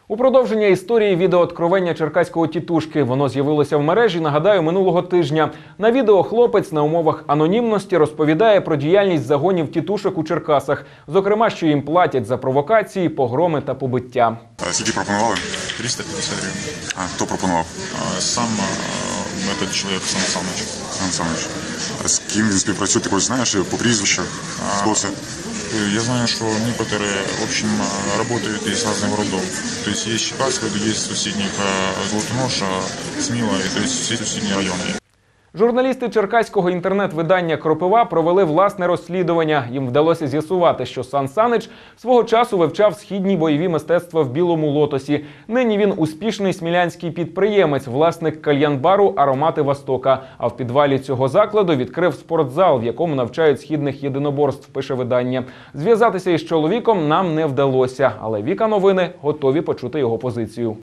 У продовження історії відеооткровення черкаського тітушки. Воно з'явилося в мережі, нагадаю, минулого тижня. На відео хлопець на умовах анонімності розповідає про діяльність загонів тітушок у Черкасах. Зокрема, що їм платять за провокації, погроми та побиття. Скільки пропонували? 350 гривень. А хто пропонував? Сам этот чоловік, Сан Саныч. Сан Саныч. А з ким він співпрацює? Ти когось знаєш по прізвищах? Хто це? Я знаю, что некоторые, в общем, работают из разных городов. То есть есть Чекасская, есть соседних Золотоноша, Сміла, то есть всі сусідні райони. Журналісти черкаського інтернет-видання «Кропива» провели власне розслідування. Їм вдалося з'ясувати, що Сан Саныч свого часу вивчав східні бойові мистецтва в Білому Лотосі. Нині він успішний смілянський підприємець, власник кальян-бару «Аромати Востока». А в підвалі цього закладу відкрив спортзал, в якому навчають східних єдиноборств, пише видання. Зв'язатися із чоловіком нам не вдалося, але Віка Новини готові почути його позицію.